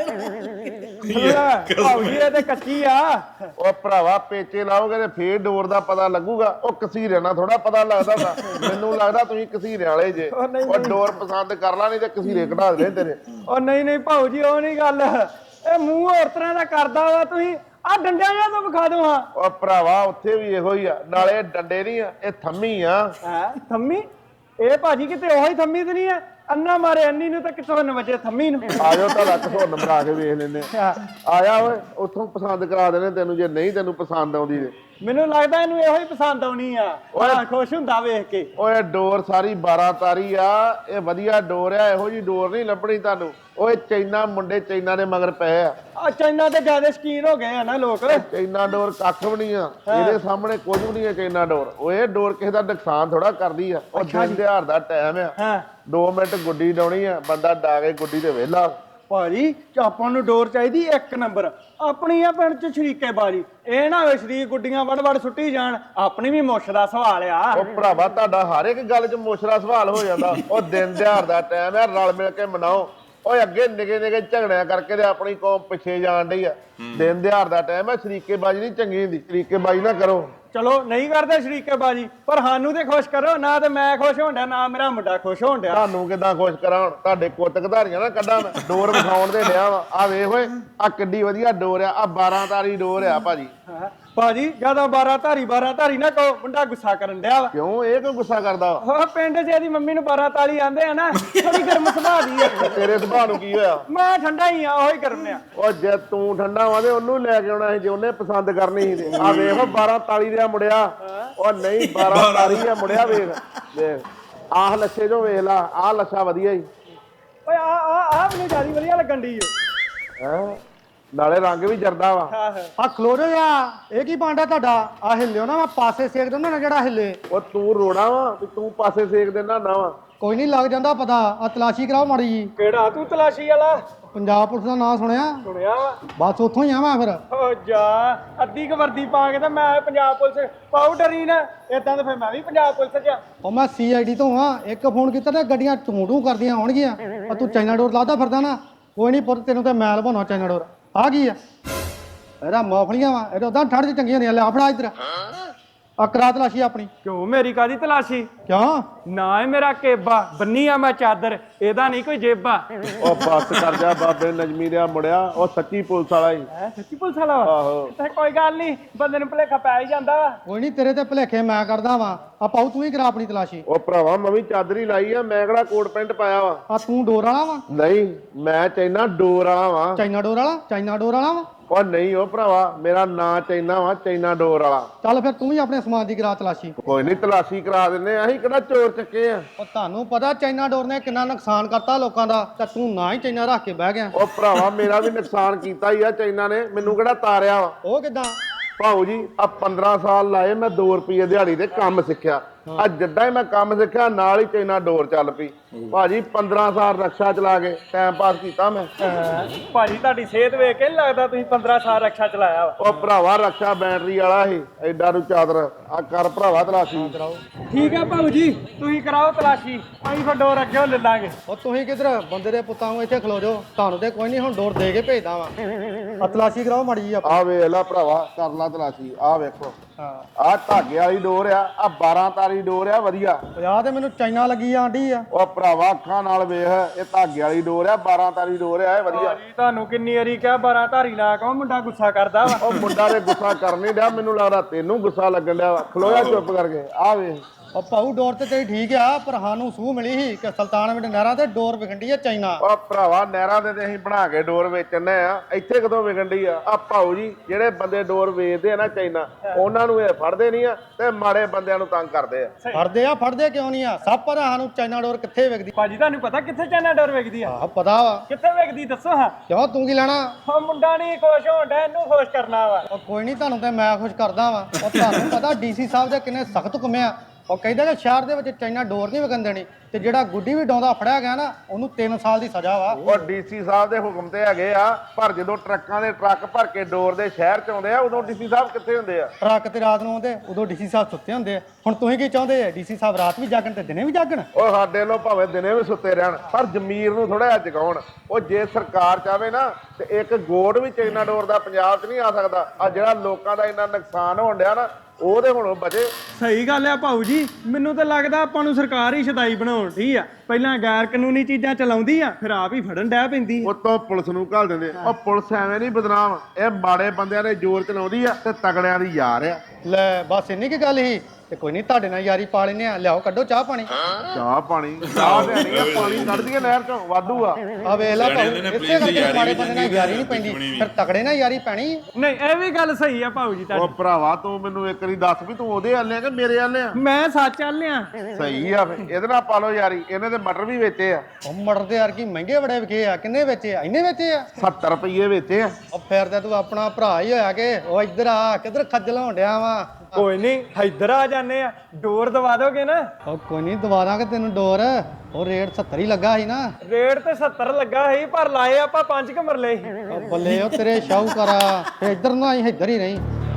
Speaker 3: ਭਾਊ ਜੀ ਇਹ ਤੇ ਕੱਚੀ ਆ
Speaker 6: ਉਹ ਭਰਾਵਾ ਪੇਚੇ ਲਾਓਗੇ ਤੇ ਫੇਰ ਡੋਰ ਦਾ ਪਤਾ ਲੱਗੂਗਾ ਉਹ ਕਸੀਰੇ ਨਾਲ ਥੋੜਾ ਪਤਾ ਲੱਗਦਾ ਹੁੰਦਾ ਮੈਨੂੰ ਲੱਗਦਾ ਤੁਸੀਂ ਕਸੀਰੇ ਵਾਲੇ ਜੇ ਉਹ ਡੋਰ ਪਸੰਦ ਕਰ ਲਾ ਨਹੀਂ ਤੇ ਕਸੀਰੇ ਕਢਾ ਦੇ ਤੇਰੇ
Speaker 3: ਉਹ ਨਹੀਂ ਭਾਊ ਜੀ ਉਹ ਨਹੀਂ ਗੱਲ ਇਹ ਮੂੰਹ ਹੋਰ ਤਰ੍ਹਾਂ ਦਾ ਕਰਦਾ ਵਾ ਤੁਸੀਂ ਆ ਡੰਡਿਆਂ ਜਿਹਾ ਤੋਂ ਵਿਖਾ ਦੋ ਹਾਂ
Speaker 6: ਉਹ ਭਰਾਵਾ ਉੱਥੇ ਵੀ ਇਹੋ ਹੀ ਆ ਨਾਲੇ ਡੰਡੇ ਨਹੀਂ ਆ ਇਹ ਥੰਮੀ ਆ
Speaker 3: ਹੈ ਥੰਮੀ ਇਹ ਭਾਜੀ ਕਿਤੇ ਉਹੀ ਥੰਮੀ ਤੇ ਨਹੀਂ ਆ ਅੰਨਾ ਮਾਰੇ ਅੰਨੀ ਨੂੰ ਤਾਂ ਕਿਥੋਂ ਨਵਜੇ ਥੰਮੀ ਨੂੰ
Speaker 6: ਆ ਜਾਓ ਤੁਹਾਡਾ ਘਸੋਂ ਨੰਬਰ ਆ ਕੇ ਵੇਖ ਲੈਨੇ ਆ ਜਾ ਓਏ ਉੱਥੋਂ ਪਸੰਦ ਕਰਾ ਦੇਣੇ ਤੈਨੂੰ ਜੇ ਨਹੀਂ ਤੈਨੂੰ ਪਸੰਦ ਆਉਂਦੀ ਤੇ
Speaker 3: ਮੈਨੂੰ ਲੱਗਦਾ ਇਹਨੂੰ ਇਹੋ ਹੀ ਪਸੰਦ ਆਉਣੀ ਆ ਉਹ ਖੁਸ਼ ਹੁੰਦਾ ਵੇਖ ਕੇ
Speaker 6: ਓਏ ਡੋਰ ਸਾਰੀ 12 ਤਾਰੀ ਆ ਇਹ ਵਧੀਆ ਡੋਰ ਆ ਇਹੋ ਜੀ ਡੋਰ ਨਹੀਂ ਲੱਭਣੀ ਤੁਹਾਨੂੰ ਓਏ ਚੈਨਾ ਮੁੰਡੇ ਚੈਨਾ ਦੇ ਮਗਰ ਪਏ ਆ
Speaker 3: ਆ ਚਾਈਨਾ ਤੇ ਜ਼ਿਆਦਾ ਸ਼ਕੀਨ ਹੋ ਗਏ ਆ ਨਾ ਲੋਕ
Speaker 6: ਚੈਨਾ ਡੋਰ ਕੱਖ ਵੀ ਨਹੀਂ ਆ ਇਹਦੇ ਸਾਹਮਣੇ ਕੁਝ ਵੀ ਨਹੀਂ ਆ ਚੈਨਾ ਡੋਰ ਓਏ ਡੋਰ ਕਿਸੇ ਦਾ ਨੁਕਸਾਨ ਥੋੜਾ ਕਰਦੀ ਆ ਉਹ ਦਿਨ ਦਿਹਾੜ ਦਾ ਟਾਈਮ ਆ
Speaker 3: ਹਾਂ
Speaker 6: 2 ਮਿੰਟ ਗੁੱਡੀ ਡਾਉਣੀ ਆ ਬੰਦਾ ਡਾ ਕੇ ਗੁੱਡੀ ਤੇ ਵਿਹਲਾ
Speaker 3: ਭਾਜੀ ਆਪਾਂ ਨੂੰ ਡੋਰ ਚਾਹੀਦੀ 1 ਨੰਬਰ ਆਪਣੀ ਆ ਪਿੰਡ ਚ ਸ਼ਰੀਕੇ ਬਾਜੀ ਇਹ ਨਾ ਹੋਵੇ ਸ਼ਰੀਕ ਗੁੱਡੀਆਂ ਵੜ ਸੁੱਟੀ ਜਾਣ ਆਪਣੀ ਵੀ ਮੁੱਛ ਦਾ ਸਵਾਲ ਆ
Speaker 6: ਉਹ ਭਰਾਵਾ ਤੁਹਾਡਾ ਹਰ ਇੱਕ ਗੱਲ 'ਚ ਮੁਸ਼ਰਾ ਸਵਾਲ ਹੋ ਜਾਂਦਾ ਉਹ ਦਿਨ ਦਿਹਾੜ ਦਾ ਟਾਈਮ ਆ ਰਲ ਮਿਲ ਕੇ ਮਨਾਓ ਓਏ ਅੱਗੇ ਨਿਗੇ ਝਗੜਿਆਂ ਕਰਕੇ ਤੇ ਆਪਣੀ ਕੌਮ ਪਿੱਛੇ ਜਾਣ ਡਈ ਆ ਦਿਨ ਦਿਹਾੜ ਦਾ ਟਾਈਮ ਆ ਸ਼ਰੀਕੇਬਾਜ਼ੀ ਨਹੀਂ ਚੰਗੀ ਹੁੰਦੀ ਸ਼ਰੀਕੇਬਾਜ਼ੀ ਨਾ ਕਰੋ
Speaker 3: ਚਲੋ ਨਹੀਂ ਕਰਦੇ ਸ਼ਰੀਕੇਬਾਜ਼ੀ ਪਰ ਸਾਨੂੰ ਤੇ ਖੁਸ਼ ਕਰੋ ਨਾ ਤੇ ਮੈਂ ਖੁਸ਼ ਹੋਣ ਡਿਆ ਨਾ ਮੇਰਾ ਮੁੰਡਾ ਖੁਸ਼ ਹੋਣ ਡਿਆ
Speaker 6: ਤੁਹਾਨੂੰ ਕਿਦਾਂ ਖੁਸ਼ ਕਰਾਂ ਹੁਣ ਤੁਹਾਡੇ ਕੁੱਤ ਘਧਾਰੀਆਂ ਨਾ ਕੱਢਾਂ ਮੈਂ ਡੋਰ ਵਿਖਾਉਣ ਦੇ ਡਿਆ ਵਾ ਆ ਵੇਖ ਓਏ ਆ ਕਿੱਡੀ ਵਧੀਆ ਡੋਰ ਆ 12 ਤਾਰੀ ਡੋਰ ਆ ਭਾਜੀ
Speaker 3: ਭਾਜੀ ਜਦੋਂ 12 ਧਾਰੀ ਨਾ ਕਹੋ ਮੁੰਡਾ ਗੁੱਸਾ ਕਰਨ ਡਿਆ ਵਾ
Speaker 6: ਕਿਉਂ ਇਹ ਕਿਉਂ ਗੁੱਸਾ ਕਰਦਾ ਵਾ
Speaker 3: ਉਹ ਪਿੰਡ 'ਚ ਇਹਦੀ ਮੰਮੀ ਨੂੰ 12 ਤਾਲੀ ਆਂਦੇ ਆ ਨਾ ਥੋੜੀ ਗਰਮ ਸੁਭਾਅ ਦੀ ਆ
Speaker 6: ਤੇਰੇ ਸੁਭਾਅ ਨੂੰ ਕੀ ਹੋਇਆ
Speaker 3: ਮੈਂ ਠੰਡਾ ਹੀ ਆ ਉਹੀ ਗਰਮ ਆ
Speaker 6: ਉਹ ਜੇ ਤੂੰ ਠੰਡਾ ਵਾ ਤੇ ਉਹਨੂੰ ਲੈ ਕੇ ਆਉਣਾ ਸੀ ਜੇ ਉਹਨੇ ਪਸੰਦ ਕਰਨੀ ਸੀ ਤੇ ਆ ਵੇਖ 12 ਤਾਲੀ ਦਾ ਮੁੰਡਿਆ ਉਹ ਨਹੀਂ 12 ਤਾਲੀ ਆ ਮੁੰਡਿਆ ਵੇਖ ਆਹ ਲੱਛੇ ਜੋ ਵੇਖ ਲਾ ਆਹ ਲੱਛਾ ਵਧੀਆ ਹੀ
Speaker 3: ਓਏ ਆ ਮੈਨੂੰ ਜਿਆਦਾ ਵਧੀਆ ਲੱਗਣ ਦੀ
Speaker 6: ਹੈ ਨਾਲੇ ਰੰਗ ਵੀ ਜਰਦਾ ਵਾ
Speaker 5: ਆ ਖਲੋ ਜਾ ਇਹ ਕੀ ਭਾਂਡਾ ਤੁਹਾਡਾ ਆ ਹਿੱਲਿਓ ਨਾ ਮੈਂ ਪਾਸੇ ਸੇਕ ਦਿੰਦਾ ਨਾ ਜਿਹੜਾ ਹਿੱਲੇ
Speaker 6: ਉਹ ਤੂੰ ਰੋਣਾ ਵਾ ਤੇ ਤੂੰ ਪਾਸੇ ਸੇਕ ਦੇਣਾ ਨਾ ਵਾ
Speaker 5: ਕੋਈ ਨਹੀਂ ਲੱਗ ਜਾਂਦਾ ਪਤਾ ਆ ਤਲਾਸ਼ੀ ਕਰਾਓ ਮਾੜੀ ਜੀ
Speaker 3: ਕਿਹੜਾ ਤੂੰ ਤਲਾਸ਼ੀ ਵਾਲਾ
Speaker 5: ਪੰਜਾਬ ਪੁਲਿਸ ਦਾ ਨਾਂ ਸੁਣਿਆ
Speaker 3: ਸੁਣਿਆ ਵਾ
Speaker 5: ਬਸ ਉੱਥੋਂ ਹੀ ਆ ਮੈਂ ਫਿਰ
Speaker 3: ਓ ਜਾ ਅੱਧੀ ਕ ਵਰਦੀ ਪਾ ਕੇ ਤੇ ਮੈਂ ਪੰਜਾਬ ਪੁਲਿਸ ਪਾਊਡਰ ਹੀ ਨਾ ਇਦਾਂ ਤਾਂ ਫਿਰ ਮੈਂ ਵੀ ਪੰਜਾਬ ਪੁਲਿਸ 'ਚ ਆ
Speaker 5: ਉਹ ਮੈਂ CID ਤੋਂ ਆ ਇੱਕ ਫੋਨ ਕੀਤਾ ਤੇ ਗੱਡੀਆਂ ਟੂੰ ਕਰਦੀਆਂ ਆਉਣਗੀਆਂ ਆ ਤੂੰ ਚਾਈਨਾ ਡੋਰ ਲਾਦਾ ਫਿਰਦਾ ਨਾ ਕੋਈ ਨਹੀਂ ਪੁੱਤ ਤੈਨੂੰ ਤੇ ਮੈਲ ਬਣਾਉਣਾ ਚਾਈਨਾ ਡੋਰ ਆ ਕੀ ਆ ਇਹਦਾ ਮੌਫਲੀਆਂ ਵਾ ਇਹ ਉਦਾਂ ਠੰਡ 'ਚ ਚੰਗੀਆਂ ਹੁੰਦੀਆਂ ਲੈ ਫੜਾ ਇੱਧਰ ਆ ਕਰਾ ਤਲਾਸ਼ੀ ਆਪਣੀ
Speaker 3: ਕਿਉਂ ਮੇਰੀ ਕਾਦੀ ਤਲਾਸ਼ੀ
Speaker 5: ਕਿਉਂ
Speaker 3: ਨਾ ਹੈ ਮੇਰਾ ਕੇਬਾ ਬੰਨੀ ਆ ਮੈਂ ਚਾਦਰ ਇਹਦਾ ਨਹੀਂ ਕੋਈ ਜੇਬਾ
Speaker 6: ਉਹ ਬੱਸ ਕਰ ਜਾ ਬਾਬੇ ਨਜਮੀ ਦਾ ਮੁੰਡਿਆ ਉਹ ਸੱਚੀ ਪੁਲਿਸ ਵਾਲਾ ਹੀ
Speaker 3: ਹੈ ਸੱਚੀ ਪੁਲਿਸ ਵਾਲਾ ਵਾ
Speaker 6: ਆਹੋ
Speaker 3: ਤੇ ਕੋਈ ਗੱਲ ਨਹੀਂ ਬੰਦੇ ਨੂੰ ਭੁਲੇਖਾ ਪੈ ਹੀ ਜਾਂਦਾ ਵਾ
Speaker 5: ਕੋਈ ਨਹੀਂ ਤੇਰੇ ਤੇ ਭੁਲੇਖੇ ਮੈਂ ਕਰਦਾ ਵਾਂ ਆ ਪਾਉ ਤੂੰ ਹੀ ਕਰਾ ਆਪਣੀ ਤਲਾਸ਼ੀ
Speaker 6: ਉਹ ਭਰਾਵਾ ਮੈਂ ਵੀ ਚਾਦਰੀ ਲਾਈ ਆ ਮੈਂ ਕਿਹੜਾ ਕੋਟ ਪੈਂਟ ਪਾਇਆ ਵਾ
Speaker 5: ਆ ਤੂੰ ਡੋਰ ਵਾਲਾ ਵਾ
Speaker 6: ਨਹੀਂ ਮੈਂ ਚਾਈਨਾ ਡੋਰ ਵਾਲਾ ਵਾਂ
Speaker 5: ਚਾਈਨਾ ਡੋਰ ਵਾਲਾ ਵਾ
Speaker 6: ਉਹ ਨਹੀਂ ਉਹ ਭਰਾਵਾ ਮੇਰਾ ਨਾਂ ਚਾਈਨਾ ਵਾ ਚਾਈਨਾ ਡੋਰ ਵਾਲਾ
Speaker 5: ਚੱਲ ਫਿਰ ਤੂੰ ਵੀ ਆਪਣੇ ਸਮਾਨ ਦੀ ਕਰਾ ਤਲਾਸ਼ੀ
Speaker 6: ਕੋਈ ਨਹੀਂ ਤਲਾਸ਼ੀ ਕਰਾ ਦਿੰਨੇ ਅਸੀਂ ਕਿਹੜਾ ਚੋਰ ਚੱਕੇ ਆ
Speaker 5: ਉਹ ਤੁਹਾਨੂੰ ਪਤਾ ਚਾਈਨਾ ਡੋਰ ਨੇ ਕਿੰਨਾ ਨੁਕਸਾਨ ਕਰਤਾ ਲੋਕਾਂ ਦਾ ਤੇ ਤੂੰ ਨਾ ਹੀ ਚਾਈਨਾ ਰੱਖ ਕੇ ਬਹਿ ਗਿਆ
Speaker 6: ਉਹ ਭਰਾਵਾ ਮੇਰਾ ਵੀ ਨੁਕਸਾਨ ਕੀਤਾ ਹੀ ਆ ਚਾਈਨਾ ਨੇ ਮੈਨੂੰ ਕਿਹੜਾ ਤਾਰਿਆ ਵਾ
Speaker 5: ਉਹ ਕਿਦਾਂ
Speaker 6: ਭਾਊ ਜੀ ਆ 15 ਸਾਲ ਲਾਏ ਮੈਂ 2 ਰੁਪਏ ਦਿਹਾੜੀ ਤੇ ਕੰਮ ਸਿੱਖਿਆ ਆ ਜਿੱਦਾਂ ਹੀ ਮੈਂ ਕੰਮ ਸਿੱਖਿਆ ਨਾਲ ਹੀ ਚਾਈਨਾ ਡੋਰ ਚੱਲ ਪਈ ਭਾਜੀ 15 ਸਾਲ ਰਕਸ਼ਾ ਚਲਾ ਕੇ ਟਾਈਮ ਪਾਸ ਕੀਤਾ ਮੈਂ।
Speaker 3: ਭਾਜੀ ਤੁਹਾਡੀ ਸਿਹਤ ਵੇਖ ਕੇ ਨੀ ਲੱਗਦਾ ਤੁਸੀਂ 15 ਸਾਲ ਰਕਸ਼ਾ ਚਲਾਇਆ ਵਾ।
Speaker 6: ਉਹ ਭਰਾਵਾ ਰਕਸ਼ਾ ਬੈਟਰੀ ਵਾਲਾ ਸੀ ਐਡਾ ਨੂੰ ਚਾਦਰ ਆ ਕਰ ਭਰਾਵਾ ਤਲਾਸ਼ੀ
Speaker 3: ਠੀਕ ਹੈ ਭਾਊ ਜੀ ਤੁਸੀਂ ਕਰਾਓ ਤਲਾਸ਼ੀ ਅਸੀਂ ਫਿਰ ਡੋਰ ਅੱਗੇ ਲੈ ਲਾਂਗੇ।
Speaker 5: ਉਹ ਤੁਸੀਂ ਕਿਧਰ ਬੰਦੇ ਦੇ ਪੁੱਤਾਂ ਨੂੰ ਇੱਥੇ ਖਲੋ ਜਾਓ, ਤੁਹਾਨੂੰ ਤੇ ਕੋਈ ਨਹੀਂ ਹੁਣ ਡੋਰ ਦੇ ਕੇ ਭੇਜਦਾ ਵਾ। ਆ ਤਲਾਸ਼ੀ ਕਰਾਓ ਮਾੜੀ ਜੀ
Speaker 6: ਆ ਵੇਖ ਲੈ ਭਰਾਵਾ ਕਰ ਲਾ ਤਲਾਸ਼ੀ ਆ ਵੇਖੋ
Speaker 5: ਹਾਂ
Speaker 6: ਆ ਧਾਗੇ ਵਾਲੀ ਡੋਰ ਆ 12 ਤਾਰੀ ਡੋਰ ਆ ਵਧੀਆ।
Speaker 5: 50 ਤੇ ਮੈਨੂੰ ਚਾਈਨਾ ਲੱਗੀ ਆਂਡੀ ਆ।
Speaker 6: ਉਹ ਭਰਾਵਾ ਅੱਖਾਂ ਨਾਲ ਵੇਖ ਇਹ ਧਾਗੇ ਵਾਲੀ ਡੋਰ ਆ 12 ਤਾਰੀ ਡੋਰ ਆ ਇਹ ਵਧੀਆ।
Speaker 3: ਭਾਜੀ ਤੁਹਾਨੂੰ ਕਿੰਨੀ ਵਾਰੀ ਕਿਹਾ 12 ਧਾਰੀ ਲਾ ਕਹੋ ਮੁੰਡਾ ਗੁੱਸਾ ਕਰਦਾ ਵਾ।
Speaker 6: ਉਹ ਮੁੰਡਾ ਦੇ ਗੁੱਸਾ ਕਰ ਨਹੀਂ ਡਿਆ ਮੈਨੂੰ ਲੱਗਦਾ ਤੈਨੂੰ ਗੁੱਸਾ ਲੱਗਣ ਡਿਆ ਵਾ। ਖਲੋਇਆ ਚੁੱਪ ਕਰਕੇ ਆ ਵੇਖ
Speaker 5: ਉਹ ਭਾਊ ਡੋਰ ਤੇ ਤੇਰੀ ਠੀਕ ਆ, ਪਰ ਸਾਨੂੰ ਸੂਹ ਮਿਲੀ ਸੀ ਕਿ ਸੁਲਤਾਨਵਿੰਡ ਨਹਿਰਾਂ ਤੇ ਡੋਰ ਵਿਖੰਡੀ ਆ ਚਾਈਨਾ।
Speaker 6: ਉਹ ਭਰਾਵਾ ਨਹਿਰਾਂ ਤੇ ਅਸੀਂ ਬਣਾ ਕੇ ਡੋਰ ਵੇਚਣੇ ਆ ਇੱਥੇ ਕਦੋਂ ਵਿਕਣ ਡਈ ਆ ਭਾਊ ਜੀ ਜਿਹੜੇ ਬੰਦੇ ਡੋਰ ਵੇਚਦੇ ਆ ਨਾ ਚਾਈਨਾ ਉਹਨਾਂ ਨੂੰ ਇਹ ਫੜਦੇ ਨਹੀਂ ਆ ਤੇ ਮਾੜੇ ਬੰਦਿਆਂ ਨੂੰ ਤੰਗ ਕਰਦੇ ਆ।
Speaker 5: ਫੜਦੇ ਕਿਉਂ ਨਹੀਂ ਆ? ਸਭ ਪਤਾ ਸਾਨੂੰ ਚਾਈਨਾ ਡੋਰ ਕਿੱਥੇ ਵਿਕਦੀ।
Speaker 3: ਭਾਜੀ ਤੁਹਾਨੂੰ ਪਤਾ ਕਿੱਥੇ ਚਾਈਨਾ ਡੋਰ ਵਿਕਦੀ ਆ?
Speaker 5: ਆਹ ਪਤਾ ਵਾ।
Speaker 3: ਕਿੱਥੇ ਵਿਕਦੀ ਦੱਸੋ ਹਾਂ।
Speaker 5: ਕਿਉਂ ਤੂੰ ਕੀ ਲੈਣਾ?
Speaker 3: ਉਹ ਮੁੰਡਾ ਨਹੀਂ ਖੁਸ਼ ਹੋਣ ਡਿਆ ਇਹਨੂੰ ਖੁਸ਼ ਕਰਨਾ ਵਾ।
Speaker 5: ਉਹ ਕੋਈ ਨਹੀਂ, ਤੁਹਾਨੂੰ ਤੇ ਮੈਂ ਖੁਸ਼ ਕਰਦਾ ਵਾਂ। ਉਹ ਤੁਹਾਨੂੰ ਪਤਾ ਡੀਸੀ ਸਾਹਿਬ ਦੇ ਕਿੰਨੇ ਸਖਤ ਹੁਕਮ ਆ। ਉਹ ਕਹਿੰਦਾ ਕਿ ਸ਼ਹਿਰ ਦੇ ਵਿੱਚ ਚਾਈਨਾ ਡੋਰ ਨਹੀਂ ਵਿਕਣ ਦੇਣੀ ਤੇ ਜਿਹੜਾ ਗੁੱਡੀ ਵੀ ਡਾਉਂਦਾ ਫੜਿਆ ਗਿਆ ਨਾ ਉਹਨੂੰ 3 ਸਾਲ ਦੀ ਸਜ਼ਾ ਵਾ।
Speaker 6: ਉਹ ਡੀਸੀ ਸਾਹਿਬ ਦੇ ਹੁਕਮ ਤੇ ਹੈਗੇ ਆ ਪਰ ਜਦੋਂ ਟਰੱਕਾਂ ਦੇ ਟਰੱਕ ਭਰ ਕੇ ਡੋਰ ਦੇ ਸ਼ਹਿਰ ਚ ਆਉਂਦੇ ਆ ਉਦੋਂ ਡੀਸੀ ਸਾਹਿਬ ਕਿੱਥੇ ਹੁੰਦੇ ਆ?
Speaker 5: ਟਰੱਕ ਤੇ ਰਾਤ ਨੂੰ ਆਉਂਦੇ ਉਦੋਂ ਡੀਸੀ ਸਾਹਿਬ ਸੁੱਤੇ ਹੁੰਦੇ ਆ। ਹੁਣ ਤੁਸੀਂ ਕੀ ਚਾਹੁੰਦੇ ਆ? ਡੀਸੀ ਸਾਹਿਬ ਰਾਤ ਵੀ ਜਾਗਣ ਤੇ ਦਿਨੇ ਵੀ ਜਾਗਣ?
Speaker 6: ਉਹ ਸਾਡੇ ਲੋ ਭਾਵੇਂ ਦਿਨੇ ਵੀ ਸੁੱਤੇ ਰਹਿਣ ਪਰ ਜ਼ਮੀਰ ਨੂੰ ਥੋੜਾ ਜਿਹਾ ਜਗਾਉਣ। ਉਹ ਜੇ ਸਰਕਾਰ ਚਾਹਵੇ ਨਾ ਤੇ ਇੱਕ ਗੋਡ ਵੀ ਚਾਈਨਾ ਡੋਰ ਦਾ ਪੰਜਾਬ 'ਚ ਨਹੀਂ ਆ ਸਕਦਾ। ਆ ਜਿਹੜਾ ਲੋਕਾਂ ਦਾ ਇੰਨਾ ਨੁਕਸਾਨ ਹੋਣ ਡਿਆ ਨਾ ਉਹਦੇ ਹੁਣ ਬਚੇ।
Speaker 3: ਸਹੀ ਗੱਲ ਆ ਭਾਊ ਜੀ, ਮੈਨੂੰ ਤਾਂ ਲੱਗਦਾ ਆਪਾਂ ਨੂੰ ਸਰਕਾਰ ਹੀ ਸ਼ਦਾਈ ਬਣਾਉਣ ਢੀ ਆ। ਪਹਿਲਾਂ ਗੈਰ ਕਾਨੂੰਨੀ ਚੀਜ਼ਾਂ ਚਲਾਉਂਦੀ ਆ ਫਿਰ ਆਪ ਹੀ ਫੜਨ ਡੈ ਪੈਂਦੀ ਆ।
Speaker 6: ਉਤੋਂ ਪੁਲਿਸ ਨੂੰ ਘੱਲ ਦਿੰਦੇ। ਉਹ ਪੁਲਿਸ ਐਵੇਂ ਨਹੀਂ ਬਦਨਾਮ, ਇਹ ਮਾੜੇ ਬੰਦਿਆਂ ਦੇ ਜ਼ੋਰ ਚਲਾਉਂਦੀ ਆ ਤੇ ਤਗੜਿਆਂ ਦੀ ਯਾਰ ਆ।
Speaker 5: ਲੈ ਬਸ ਇੰਨੀ ਕੀ ਗੱਲ ਸੀ ਤੇ ਕੋਈ ਨਹੀਂ, ਤੁਹਾਡੇ ਨਾਲ ਯਾਰੀ ਪਾ ਲੈਨੇ ਆ। ਲਿਆਓ ਕੱਢੋ ਚਾਹ ਪਾਣੀ।
Speaker 6: ਚਾਹ ਪਾਣੀ ਚਾਹ ਲੈਣੀ ਆ, ਪਾਣੀ ਕੱਢ ਦਈਏ ਨਹਿਰ ਚੋਂ ਵਾਧੂ ਆ।
Speaker 5: ਆ ਵੇਖ ਲੈ ਭਾਊ,
Speaker 1: ਕਹਿੰਦੇ ਨੇ
Speaker 5: ਇਸੇ
Speaker 1: ਪੁਲਿਸ ਦੀ
Speaker 5: ਕਰਕੇ
Speaker 1: ਯਾਰੀ
Speaker 5: ਮਾੜੇ
Speaker 1: ਵੀ
Speaker 5: ਬੰਦੇ ਨਾਲ ਯਾਰੀ ਨਹੀਂ ਪੈਂਦੀ, ਫਿਰ ਤਗੜੇ ਨਾਲ ਯਾਰੀ ਪੈਣੀ ਆ।
Speaker 3: ਨਹੀਂ ਇਹ ਵੀ ਗੱਲ ਸਹੀ ਆ ਭਾਊ ਜੀ
Speaker 6: ਉਹ
Speaker 3: ਤੁਹਾਡੀ।
Speaker 6: ਭਰਾਵਾ ਤੂੰ ਮੈਨੂੰ ਇੱਕ ਵਾਰੀ ਦੱਸ ਵੀ ਤੂੰ ਉਹਦੇ ਆਲੇ ਆ ਕਿ ਮੇਰੇ ਆਲੇ ਆ?
Speaker 3: ਮੈਂ ਸੱਚ ਆਲਿਆ।
Speaker 6: ਸਹੀ ਆ ਫੇ ਇਹਦੇ ਨਾਲ ਪਾ ਲਓ ਯਾਰੀ। ਇਹਨੇ ਤੇ ਮਟਰ ਵੀ ਵੇਚੇ ਆ
Speaker 5: ਉਹ ਮਟਰ ਦੇ ਯਾਰ ਕੀ ਮਹਿੰਗੇ ਬੜੇ ਵਿਕੇ ਆ। ਕਿੰਨੇ ਵੇਚੇ ਆ? ਇੰਨੇ ਵੇਚੇ ਆ?
Speaker 6: 70 ਰੁਪਏ ਵੇਚੇ ਆ।
Speaker 5: ਉਹ ਫਿਰ ਤੇ ਤੂੰ ਆਪਣਾ ਭਰਾ ਹੀ ਹੋਇਆ ਕਿ ਉਹ ਇੱਧਰ ਆ ਕਿੱਧਰ ਖੱਜਲ ਹੋਣ ਡਿਆ ਵਾ।
Speaker 3: ਕੋਈ ਨਹੀਂ ਇੱਧਰ ਆ ਜਾਂਦੇ ਆ, ਡੋਰ ਦਵਾ ਦੋਗੇ ਨਾ?
Speaker 5: ਉਹ ਕੋਈ ਨਹੀਂ ਦਵਾ ਦਾਂਗੇ ਤੈਨੂੰ ਡੋਰ। ਉਹ ਰੇਟ 70 ਹੀ ਲੱਗਾ ਸੀ ਨਾ।
Speaker 3: ਰੇਟ ਤੇ 70 ਲੱਗਾ ਸੀ ਪਰ ਲਾਏ ਆਪਾਂ 5 ਕੁ ਮਰਲੇ ਸੀ।
Speaker 5: ਉਹ ਬੱਲੇ ਉਹ ਤੇਰੇ ਸ਼ਾਹੂਕਾਰਾ ਇੱਧਰ ਨਾ ਆਈ ਇੱਧਰ ਹੀ ਨਹੀਂ।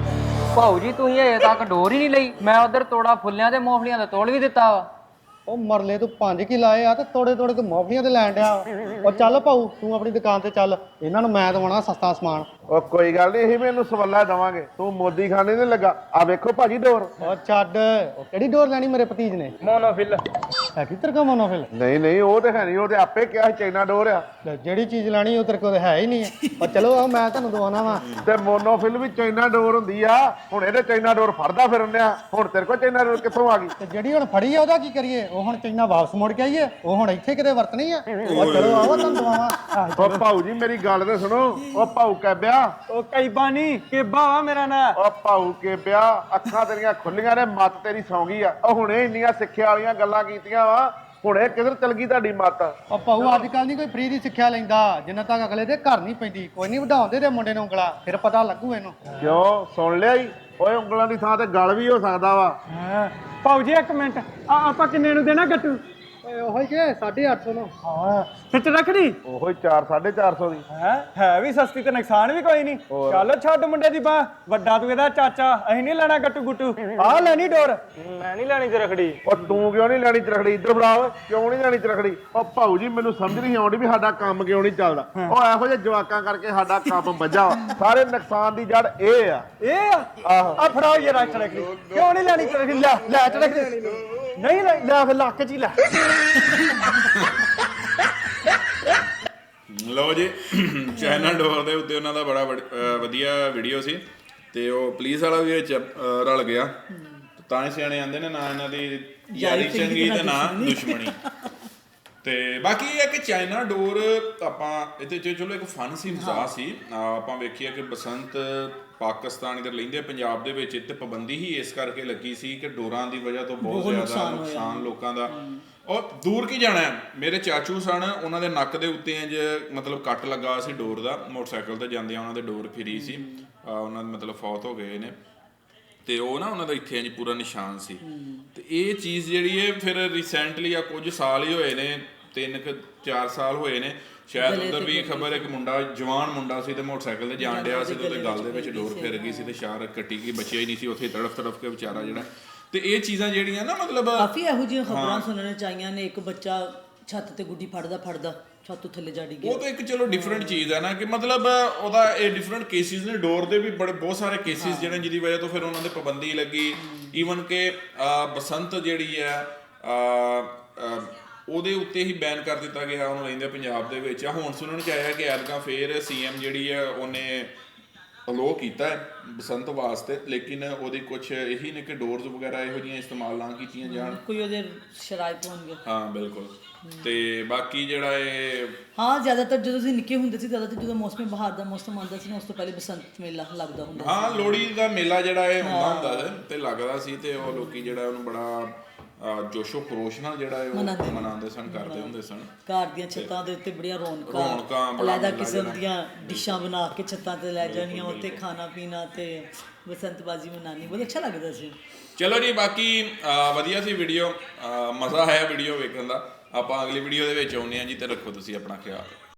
Speaker 4: ਭਾਊ ਜੀ ਤੁਸੀਂ ਹਜੇ ਤੱਕ ਡੋਰ ਹੀ ਨਹੀਂ ਲਈ। ਮੈਂ ਉਧਰ ਤੋੜਾ ਫੁੱਲਿਆਂ ਤੇ ਮੂੰਗਫਲੀਆਂ ਦਾ ਤੋੜ ਵੀ ਦਿੱਤਾ ਵਾ।
Speaker 5: ਉਹ ਮਰਲੇ ਤੂੰ 5 ਕੀ ਲਾਏ ਆ ਤੇ ਤੋੜੇ ਤੋੜੇ ਤੂੰ ਮੌਫਲੀਆਂ ਤੇ ਲੈਣ ਡਿਆ। ਉਹ ਚੱਲ ਭਾਊ ਤੂੰ ਆਪਣੀ ਦੁਕਾਨ ਤੇ ਚੱਲ, ਇਹਨਾਂ ਨੂੰ ਮੈਂ ਦਵਾਉਣਾ ਸਸਤਾ ਸਮਾਨ।
Speaker 6: ਉਹ ਕੋਈ ਗੱਲ ਨਹੀਂ, ਅਸੀਂ ਮੈਨੂੰ ਸਵੱਲਾ ਦਵਾਂਗੇ। ਤੂੰ ਮੋਦੀ ਖਾਨੇ ਨਹੀਂ ਲੱਗਾ। ਆ ਵੇਖੋ ਭਾਜੀ ਡੋਰ।
Speaker 5: ਉਹ ਛੱਡ, ਉਹ ਕਿਹੜੀ ਡੋਰ ਲੈਣੀ ਮੇਰੇ ਭਤੀਜ ਨੇ?
Speaker 3: ਮੋਨੋਫਿਲ।
Speaker 5: ਹੈ ਕਿੱਧਰ ਕਾ ਮੋਨੋਫਿਲ?
Speaker 6: ਨਹੀਂ ਨਹੀਂ ਉਹ ਤੇ ਹੈ ਨਹੀਂ, ਉਹ ਤੇ ਆਪੇ ਕਿਹਾ ਸੀ ਚਾਈਨਾ ਡੋਰ ਆ।
Speaker 5: ਲੈ ਜਿਹੜੀ ਚੀਜ਼ ਲੈਣੀ ਉਹ ਤੇਰੇ ਕੋਲ ਹੈ ਹੀ ਨਹੀਂ। ਉਹ ਚਲੋ ਆ ਮੈਂ ਤੁਹਾਨੂੰ ਦਵਾਉਣਾ ਵਾ।
Speaker 6: ਤੇ ਮੋਨੋਫਿਲ ਵੀ ਚਾਈਨਾ ਡੋਰ ਹੁੰਦੀ ਆ। ਹੁਣ ਇਹਦੇ ਚਾਈਨਾ ਡੋਰ ਫੜਦਾ ਫਿਰਨ ਡਿਆ। ਹੁਣ ਤੇਰੇ ਕੋਲ ਚਾਈਨਾ ਡੋਰ ਕਿੱਥੋਂ ਆ ਗਈ?
Speaker 5: ਤੇ ਜਿਹੜੀ ਹੁਣ ਫੜੀ ਆ ਉਹਦਾ ਕੀ ਕਰੀਏ? ਉਹ ਹੁਣ ਚਾਈਨਾ ਵਾਪਸ ਮੁੜ ਕੇ ਆਈਏ? ਉਹ ਹੁਣ ਇੱਥੇ ਕਿਤੇ ਵਰਤਣੀ ਆ? ਉਹ ਚਲੋ ਆਓ ਤੁਹਾਨੂੰ ਦਵਾਵਾਂ।
Speaker 6: ਉਹ ਭਾਊ ਜੀ ਮੇਰੀ ਗੱਲ ਤੇ ਸੁਣੋ। ਉਹ ਭਾਊ ਕਹਿਬਿਆ।
Speaker 3: ਉਹ ਕੈਬਾ ਨਹੀਂ ਕੇਬਾ ਵਾ ਮੇਰਾ ਨਾਂ।
Speaker 6: ਉਹ ਭਾਊ ਕਹਿਬਿਆ ਅੱਖਾਂ ਤੇਰੀਆਂ ਖੁੱਲੀਆਂ ਨੇ, ਮੱਤ ਤੇਰੀ ਸੌਂ ਗਈ ਆ। ਉਹ ਹੁਣੇ ਇੰਨੀਆਂ ਸਿੱਖਿਆ ਵਾਲੀਆਂ ਗੱਲਾਂ ਕੀਤੀਆਂ ਵਾ, ਹੁਣੇ ਕਿੱਧਰ ਚਲ ਗਈ ਤੁਹਾਡੀ ਮੱਤ?
Speaker 5: ਉਹ ਭਾਊ ਅੱਜ ਕੱਲ ਨਹੀਂ ਕੋਈ ਫ੍ਰੀ ਦੀ ਸਿੱਖਿਆ ਲੈਂਦਾ ਜਿੰਨਾ ਤੱਕ ਅਗਲੇ ਦੇ ਘਰ ਨਹੀਂ ਪੈਂਦੀ। ਕੋਈ ਨਹੀਂ ਵਧਾਉਂਦੇ ਤੇ ਮੁੰਡੇ ਨੂੰ ਉਂਗਲਾ, ਫਿਰ ਪਤਾ ਲੱਗੂ ਇਹਨੂੰ।
Speaker 6: ਕਿਉਂ ਸੁਣ ਲਿਆ ਈ? ਓਏ ਉਂਗਲਾਂ ਦੀ ਥਾਂ ਤੇ ਗਲ ਵੀ ਹੋ ਸਕਦਾ ਵਾ।
Speaker 3: ਹਾਂ ਭਾਊ ਜੀ ਇੱਕ ਮਿੰਟ, ਆਪਾਂ ਕਿੰਨੇ ਨੂੰ ਦੇਣਾ ਗੱਟੂ?
Speaker 5: ਓਏ ਉਹੋ ਹੀ ਕਿ 850 ਨੂੰ।
Speaker 3: ਹਾਂ ਸੱਚ ਰੱਖੜੀ।
Speaker 6: ਉਹੋ ਹੀ 4-450 ਦੀ।
Speaker 3: ਹੈ ਵੀ ਸਸਤੀ ਤੇ ਨੁਕਸਾਨ ਵੀ ਕੋਈ ਨਹੀਂ। ਚੱਲ ਛੱਡ ਮੁੰਡੇ ਦੀ ਬਾਹ, ਵੱਡਾ ਤੂੰ ਇਹਦਾ ਚਾਚਾ। ਅਸੀਂ ਨਹੀਂ ਲੈਣਾ ਗੱਟੂ ਗੁੱਟੂ, ਆਹ ਲੈਣੀ ਡੋਰ। ਮੈਂ ਨਹੀਂ ਲੈਣੀ ਤੇ ਰੱਖੜੀ।
Speaker 6: ਉਹ ਤੂੰ ਕਿਉਂ ਨਹੀਂ ਲੈਣੀ ਚਰਖੜੀ? ਇੱਧਰ ਫੜਾ ਓਏ, ਕਿਉਂ ਨਹੀਂ ਲੈਣੀ ਚਰਖੜੀ? ਉਹ ਭਾਊ ਜੀ ਮੈਨੂੰ ਸਮਝ ਨਹੀਂ ਆਉਂਦੀ ਵੀ ਸਾਡਾ ਕੰਮ ਕਿਉਂ ਨਹੀਂ ਚੱਲਦਾ। ਉਹ ਇਹੋ ਜਿਹੇ ਜਵਾਕਾਂ ਕਰਕੇ ਸਾਡਾ ਕੰਮ ਵੱਜਾ ਵਾ। ਸਾਰੇ ਨੁਕਸਾਨ ਦੀ ਜੜ ਇਹ ਆ।
Speaker 3: ਇਹ ਆ ਫੜਾਓ ਇਹ ਰੱਖ ਰੱਖੜੀ। ਕਿਉਂ ਨਹੀਂ ਲੈਣੀ ਰੱਖੜੀ? ਲੈ ਰੱਖੜੀ ਨਹੀਂ ਲੈ ਫਿਰ ਲੱਕ ਚ ਹੀ ਲੈ।
Speaker 1: ਲਓ ਜੀ ਚਾਈਨਾ ਡੋਰ ਦੇ ਉੱਤੇ ਉਹਨਾਂ ਦਾ ਬੜਾ ਵਧੀਆ ਵੀਡੀਓ ਸੀ ਤੇ ਉਹ ਪੁਲਿਸ ਵਾਲਾ ਵੀ ਵਿੱਚ ਰਲ ਗਿਆ। ਤਾਂ ਹੀ ਸਿਆਣੇ ਆਂਦੇ ਨੇ ਨਾ ਇਹਨਾਂ ਦੀ ਯਾਰੀ ਚੰਗੀ ਤੇ ਨਾ ਦੁਸ਼ਮਣੀ। ਤੇ ਬਾਕੀ ਇਹ ਹੈ ਕਿ ਚਾਈਨਾ ਡੋਰ ਆਪਾਂ ਇਹਦੇ ਚ ਚਲੋ ਇੱਕ ਫਨ ਸੀ, ਮਜ਼ਾਕ ਸੀ। ਆਪਾਂ ਵੇਖੀਏ ਕਿ ਬਸੰਤ ਪਾਕਿਸਤਾਨ ਇਧਰ ਲੈਂਦੇ ਪੰਜਾਬ ਦੇ ਵਿੱਚ ਇੱਥੇ ਪਾਬੰਦੀ ਹੀ ਇਸ ਕਰਕੇ ਲੱਗੀ ਸੀ ਕਿ ਡੋਰਾਂ ਦੀ ਵਜ੍ਹਾ ਤੋਂ ਬਹੁਤ ਜ਼ਿਆਦਾ ਨੁਕਸਾਨ ਲੋਕਾਂ ਦਾ। ਔਰ ਦੂਰ ਕੀ ਜਾਣਾ, ਮੇਰੇ ਚਾਚੂ ਸਨ, ਉਹਨਾਂ ਦੇ ਨੱਕ ਦੇ ਉੱਤੇ ਇੰਜ ਮਤਲਬ ਕੱਟ ਲੱਗਾ ਸੀ ਡੋਰ ਦਾ। ਮੋਟਰਸਾਈਕਲ ਤੇ ਜਾਂਦਿਆਂ ਉਹਨਾਂ ਦੇ ਡੋਰ ਫਿਰੀ ਸੀ। ਉਹਨਾਂ ਦੇ ਮਤਲਬ ਫੌਤ ਹੋ ਗਏ ਨੇ। ਤੇ ਉਹ ਨਾ ਉਹਨਾਂ ਦਾ ਇੱਥੇ ਇੰਜ ਪੂਰਾ ਨਿਸ਼ਾਨ ਸੀ। ਤੇ ਇਹ ਚੀਜ਼ ਜਿਹੜੀ ਹੈ ਫਿਰ ਰੀਸੈਂਟਲੀ ਆ ਕੁਝ ਸਾਲ ਹੀ ਹੋਏ ਨੇ, 3-4 ਸਾਲ ਹੋਏ ਨੇ ਸ਼ਾਇਦ, ਉਧਰ ਵੀ ਖਬਰ ਇੱਕ ਮੁੰਡਾ, ਜਵਾਨ ਮੁੰਡਾ ਸੀ ਤੇ ਮੋਟਰਸਾਈਕਲ ਤੇ ਜਾਣ ਡਿਆ ਸੀ ਤੇ ਉਹਦੇ ਗਲ ਦੇ ਵਿੱਚ ਡੋਰ ਫਿਰ ਗਈ ਸੀ ਤੇ ਸ਼ਾਰ ਕੱਟੀ ਗਈ, ਬਚਿਆ ਹੀ ਨਹੀਂ ਸੀ ਉੱਥੇ ਤੜਫ ਕੇ ਵਿਚਾਰਾ ਜਿਹੜਾ। ਤੇ ਇਹ ਚੀਜ਼ਾਂ ਜਿਹੜੀਆਂ ਨਾ ਮਤਲਬ
Speaker 2: ਕਾਫੀ ਇਹੋ ਜਿਹੀਆਂ ਖਬਰਾਂ ਸੁਣਨ ਚ ਆਈਆਂ ਨੇ। ਇੱਕ ਬੱਚਾ ਛੱਤ ਤੇ ਗੁੱਡੀ ਫੜਦਾ ਛੱਤ ਤੋਂ ਥੱਲੇ ਜਾ ਡਿੱਗਿਆ।
Speaker 1: ਉਹ ਤਾਂ ਇੱਕ ਚਲੋ ਡਿਫਰੈਂਟ ਚੀਜ਼ ਹੈ ਨਾ, ਕਿ ਮਤਲਬ ਉਹਦਾ ਇਹ ਡਿਫਰੈਂਟ ਕੇਸਿਸ ਨੇ। ਡੋਰ ਦੇ ਵੀ ਬਹੁਤ ਸਾਰੇ ਕੇਸਿਸ ਜਿਹੜੇ ਜਿਹਦੀ ਵਜ੍ਹਾ ਤੋਂ ਫਿਰ ਉਹਨਾਂ ਦੇ ਪਾਬੰਦੀ ਲੱਗੀ। ਈਵਨ ਕਿ ਬਸੰਤ ਜਿਹੜੀ ਹੈ ਉਹਦੇ ਉੱਤੇ ਹੀ ਬੈਨ ਕਰ ਦਿੱਤਾ ਗਿਆ ਉਹਨੂੰ ਰਹਿੰਦੇ ਪੰਜਾਬ ਦੇ ਵਿੱਚ। ਹੁਣ ਸੁਣਨ ਚ ਆਇਆ ਕਿ ਐਤਕਾਂ ਫੇਰ ਸੀਐਮ ਜਿਹੜੀ ਹੈ ਉਹਨੇ ਅਲੋਅ ਕੀਤਾ ਹੈ ਬਸੰਤ ਵਾਸਤੇ, ਲੇਕਿਨ ਉਹਦੀ ਕੁਛ ਇਹੀ ਨੇ ਕਿ ਡੋਰਸ ਵਗੈਰਾ ਇਹੋ ਜਿਹੀਆਂ ਇਸਤੇਮਾਲ ਨਾ ਕੀਤੀਆਂ ਜਾਣ।
Speaker 2: ਕੋਈ ਉਹਦੇ ਸ਼ਰਾਇਤ ਹੋਣਗੇ।
Speaker 1: ਹਾਂ ਬਿਲਕੁਲ। ਤੇ ਬਾਕੀ ਜਿਹੜਾ ਇਹ
Speaker 2: ਹਾਂ ਜ਼ਿਆਦਾਤਰ ਜਦੋਂ ਅਸੀਂ ਨਿੱਕੇ ਹੁੰਦੇ ਸੀ, ਜ਼ਿਆਦਾਤਰ ਜਦੋਂ ਮੌਸਮੀ ਬਹਾਰ ਦਾ ਮੌਸਮ ਆਉਂਦਾ ਸੀ ਨਾ, ਉਸ ਤੋਂ ਪਹਿਲੇ ਬਸੰਤ ਮੇਲਾ ਲੱਗਦਾ ਹੁੰਦਾ
Speaker 1: ਹਾਂ ਲੋਹੜੀ ਦਾ ਮੇਲਾ ਜਿਹੜਾ ਇਹ ਹੁੰਦਾ ਸੀ ਤੇ ਲੱਗਦਾ ਸੀ, ਤੇ ਉਹ ਲੋਕੀ ਜਿਹੜਾ ਉਹਨੂੰ ਬੜਾ ਜੋਸ਼ੋ ਖਰੋਸ਼ ਨਾਲ ਜਿਹੜਾ ਉਹ ਮਨਾਉਂਦੇ ਸਨ, ਕਰਦੇ ਹੁੰਦੇ ਸਨ।
Speaker 2: ਘਰ ਦੀਆਂ ਛੱਤਾਂ ਦੇ ਉੱਤੇ ਬੜੀਆਂ ਰੌਣਕਾਂ, ਅਲੱਗ ਕਿਸਮ ਦੀਆਂ ਡਿਸ਼ਾਂ ਬਣਾ ਕੇ ਛੱਤਾਂ ਤੇ ਲੈ ਜਾਣੀਆਂ, ਉੱਤੇ ਖਾਣਾ ਪੀਣਾ ਤੇ ਬਸੰਤਬਾਜ਼ੀ ਮਨਾਉਣੀ, ਬਹੁਤ ਅੱਛਾ ਲੱਗਦਾ ਸੀ।
Speaker 1: ਚਲੋ ਜੀ, ਬਾਕੀ ਵਧੀਆ ਸੀ ਵੀਡੀਓ, ਮਜ਼ਾ ਆਇਆ ਵੀਡੀਓ ਵੇਖਣ ਦਾ। ਆਪਾਂ ਅਗਲੀ ਵੀਡੀਓ ਦੇ ਵਿੱਚ ਆਉਂਦੇ ਹਾਂ ਜੀ, ਤੇ ਰੱਖੋ ਤੁਸੀਂ ਆਪਣਾ ਖਿਆਲ।